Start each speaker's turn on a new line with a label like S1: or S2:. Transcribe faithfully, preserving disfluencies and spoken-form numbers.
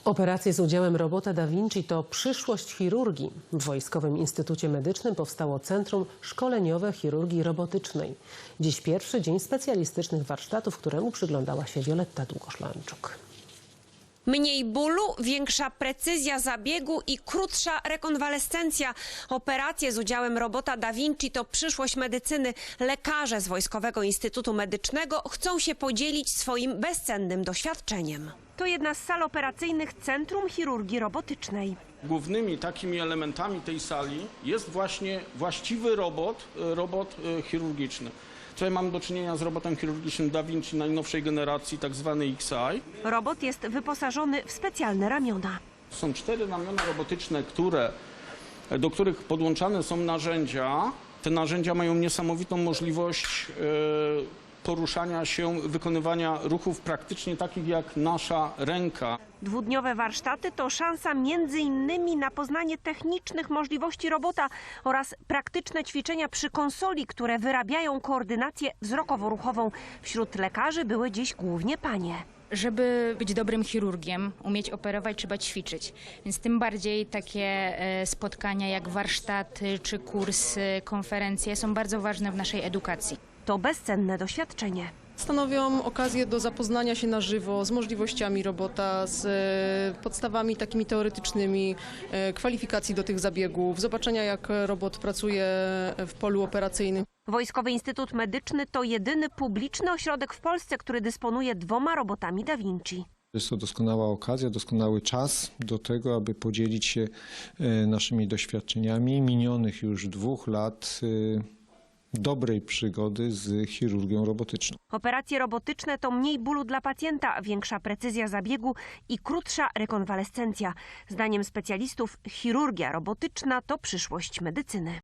S1: Operacje z udziałem robota Da Vinci to przyszłość chirurgii. W Wojskowym Instytucie Medycznym powstało Centrum Szkoleniowe Chirurgii Robotycznej. Dziś pierwszy dzień specjalistycznych warsztatów, któremu przyglądała się Wioletta Długoszlanczuk.
S2: Mniej bólu, większa precyzja zabiegu i krótsza rekonwalescencja. Operacje z udziałem robota Da Vinci to przyszłość medycyny. Lekarze z Wojskowego Instytutu Medycznego chcą się podzielić swoim bezcennym doświadczeniem. To jedna z sal operacyjnych Centrum Chirurgii Robotycznej.
S3: Głównymi takimi elementami tej sali jest właśnie właściwy robot, robot chirurgiczny. Tutaj mamy do czynienia z robotem chirurgicznym Da Vinci najnowszej generacji, tak zwany X I.
S2: Robot jest wyposażony w specjalne ramiona.
S3: Są cztery ramiona robotyczne, które, do których podłączane są narzędzia. Te narzędzia mają niesamowitą możliwość e, poruszania się, wykonywania ruchów praktycznie takich jak nasza ręka.
S2: Dwudniowe warsztaty to szansa między innymi na poznanie technicznych możliwości robota oraz praktyczne ćwiczenia przy konsoli, które wyrabiają koordynację wzrokowo-ruchową. Wśród lekarzy były dziś głównie panie.
S4: Żeby być dobrym chirurgiem, umieć operować, trzeba ćwiczyć. Więc tym bardziej takie spotkania jak warsztaty czy kursy, konferencje są bardzo ważne w naszej edukacji.
S2: To bezcenne doświadczenie.
S5: Stanowią okazję do zapoznania się na żywo z możliwościami robota, z podstawami takimi teoretycznymi, kwalifikacji do tych zabiegów, zobaczenia jak robot pracuje w polu operacyjnym.
S2: Wojskowy Instytut Medyczny to jedyny publiczny ośrodek w Polsce, który dysponuje dwoma robotami Da Vinci.
S6: Jest to doskonała okazja, doskonały czas do tego, aby podzielić się naszymi doświadczeniami minionych już dwóch lat dobrej przygody z chirurgią robotyczną.
S2: Operacje robotyczne to mniej bólu dla pacjenta, większa precyzja zabiegu i krótsza rekonwalescencja. Zdaniem specjalistów chirurgia robotyczna to przyszłość medycyny.